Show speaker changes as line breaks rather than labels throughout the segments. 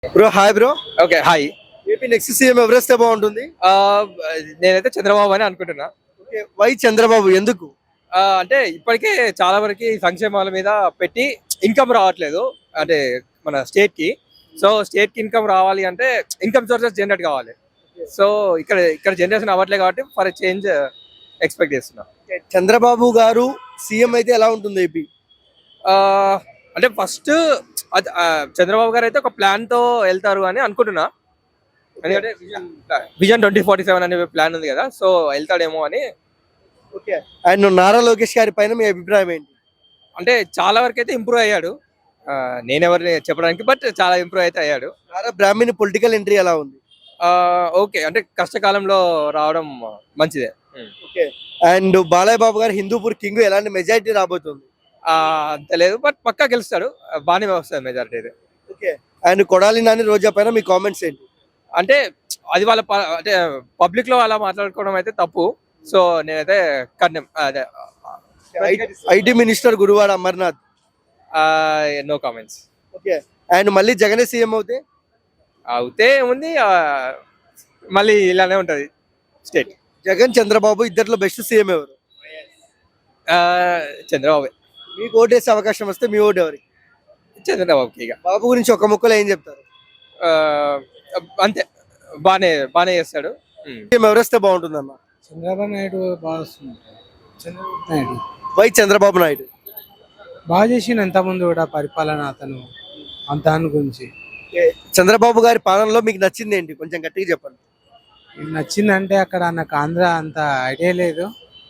Bro hi bro.
Okay hi.
AP next CM ఎవరేస్తే బాగుంటుంది?
ఆ, నేనైతే చంద్రబాబు అని అనుకుంటున్నా.
ఓకే, వై చంద్రబాబు ఎందుకు?
అంటే ఇప్పటికే చాలా వరకు సంక్షేమాల మీద పెట్టి ఇన్కమ్ రావట్లేదు, అంటే మన స్టేట్ కి. సో స్టేట్ కి ఇన్కమ్ రావాలి అంటే ఇన్కమ్ సోర్సెస్ జనరేట్ కావాలి. సో ఇక్కడ ఇక్కడ జనరేషన్ అవ్వట్లేదు కాబట్టి ఫర్ చేంజ్ ఎక్స్పెక్ట్ చేస్తున్నా.
చంద్రబాబు గారు సీఎం అయితే ఎలా ఉంటుంది ఏపీ?
ఆ, అంటే ఫస్ట్ చంద్రబాబు గారు అయితే ఒక ప్లాన్ తో వెళ్తారు అని అనుకుంటున్నా. ఎందుకంటే విజన్ 2047 అనే ప్లాన్ ఉంది కదా, సో వెళ్తాడేమో అని.
ఓకే, అండ్ నారా లోకేష్ గారి పైన మీ అభిప్రాయం ఏంటి?
అంటే చాలా వరకు అయితే ఇంప్రూవ్ అయ్యాడు. నేనెవరిని చెప్పడానికి, బట్ చాలా ఇంప్రూవ్ అయితే అయ్యాడు.
నారా బ్రాహ్మణి పొలిటికల్ ఎంట్రీ ఎలా ఉంది?
ఓకే, అంటే కష్టకాలంలో రావడం మంచిదే.
ఓకే, అండ్ బాలయ్య బాబు గారు హిందూపూర్ కింగ్ ఎలాంటి మెజారిటీ రాబోతుంది?
అంత లేదు, బట్ పక్కా గెలుస్తాడు, బాగానే వస్తుంది మెజారిటీ అయితే.
ఓకే, అండ్ కొడాలి నాని రోజా పైన మీ కామెంట్స్ ఏంటి?
అంటే అది వాళ్ళ అంటే పబ్లిక్ లో అలా మాట్లాడుకోవడం అయితే తప్పు. సో నేనైతే కన్నం అదే
IT minister Gudivada Amarnath.
No comments.
Okay, and మళ్ళీ జగనే సీఎం
అవుతే ఏముంది, మళ్ళీ ఇలానే ఉంటది స్టేట్.
జగన్ చంద్రబాబు ఇద్దరిలో బెస్ట్ సీఎం ఎవరు?
చంద్రబాబు.
మీకు ఓటేసే అవకాశం వస్తే మీ ఓటు ఎవరికి?
చంద్రబాబుకి. ఇక
బాబు గురించి ఒక ముక్కలో ఏం చెప్తారు?
అంతే, బానే చేస్తాడు.
సీఎం ఎవరేస్తే బాగుంటుంది అన్న?
చంద్రబాబు నాయుడు బాగా వస్తుంది. చంద్రబాబు నాయుడు
వై చంద్రబాబు నాయుడు?
బాగా చేసిండు అంతకుముందు కూడా పరిపాలన, అతను దాని గురించి.
చంద్రబాబు గారి పాలనలో మీకు నచ్చింది ఏంటి? కొంచెం గట్టిగా చెప్పండి.
నచ్చిందంటే అక్కడ నాకు ఆంధ్ర అంత ఐడియా లేదు.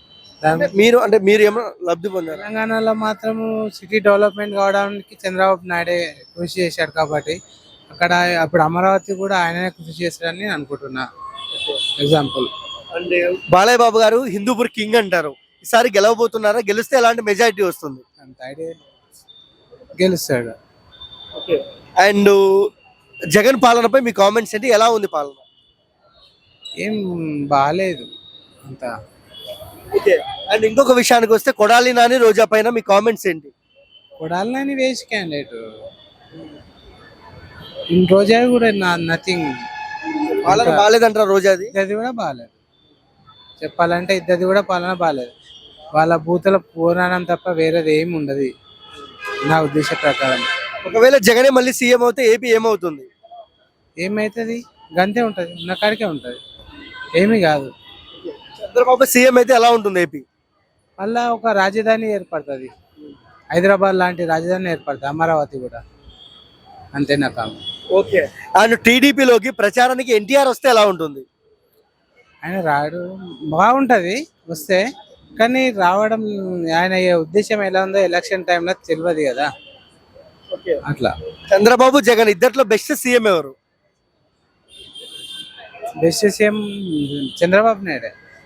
మీరు ఏమో లబ్ధి పొందారు?
తెలంగాణలో మాత్రము సిటీ డెవలప్మెంట్ కావడానికి చంద్రబాబు నాయుడే కృషి చేశాడు కాబట్టి అక్కడ అప్పుడు అమరావతి కూడా ఆయననే కృషి చేశాడని నేను అనుకుంటున్నా. ఎగ్జాంపుల్
అంటే బాలయ్య బాబు గారు హిందూపూర్ కింగ్ అంటారు, ఈసారి గెలవబోతున్నారా? గెలిస్తే ఎలాంటి మెజారిటీ వస్తుంది?
అంత ఐడియా గెలుస్తాడు.
అండ్ జగన్ పాలనపై మీ కామెంట్స్ ఏంటి? ఎలా ఉంది పాలన?
ఏం బాగాలేదు అంత.
ఓకే, అండ్ ఇంకొక విషయానికి వస్తే కొడాలి నాని రోజా పైన మీ కామెంట్స్ ఏంటి?
కొడాలని వేస్ట్ క్యాండిడేట్. రోజా కూడా నథింగ్.
పాలన బాగాలేదంటారా రోజాది?
ఇద్దరిది కూడా బాగాలేదు, చెప్పాలంటే ఇద్దరిది కూడా పాలన బాగాలేదు. వాళ్ళ బూతుల పురాణం తప్ప వేరేది ఏమి ఉండదు నా ఉద్దేశ ప్రకారం.
ఒకవేళ జగనే మళ్ళీ సీఎం అవుతే ఏపీ ఏమవుతుంది?
ఏమైతుంది, గంతే ఉంటుంది, ఉన్న కాడికే ఉంటుంది, ఏమీ కాదు.
చంద్రబాబు సీఎం అయితే ఎలా ఉంటుంది ఏపీ?
మళ్ళా ఒక రాజధాని ఏర్పడుతుంది, హైదరాబాద్ లాంటి రాజధాని ఏర్పడుతుంది, అమరావతి కూడా. అంతే నా కామెంట్.
ఓకే, అండ్ టీడీపీలోకి ప్రచారానికి ఎన్టీఆర్ వస్తే ఎలా ఉంటుంది?
ఆయన రాడు, బాగుంటుంది వస్తే, కానీ రావడం ఆయన ఉద్దేశం ఎలా ఉందో ఎలక్షన్ టైంలో తెలియదు కదా. అట్లా
చంద్రబాబు జగన్ ఇద్దరిలో బెస్ట్ సీఎం ఎవరు?
Best CM Chandrababu Naidu.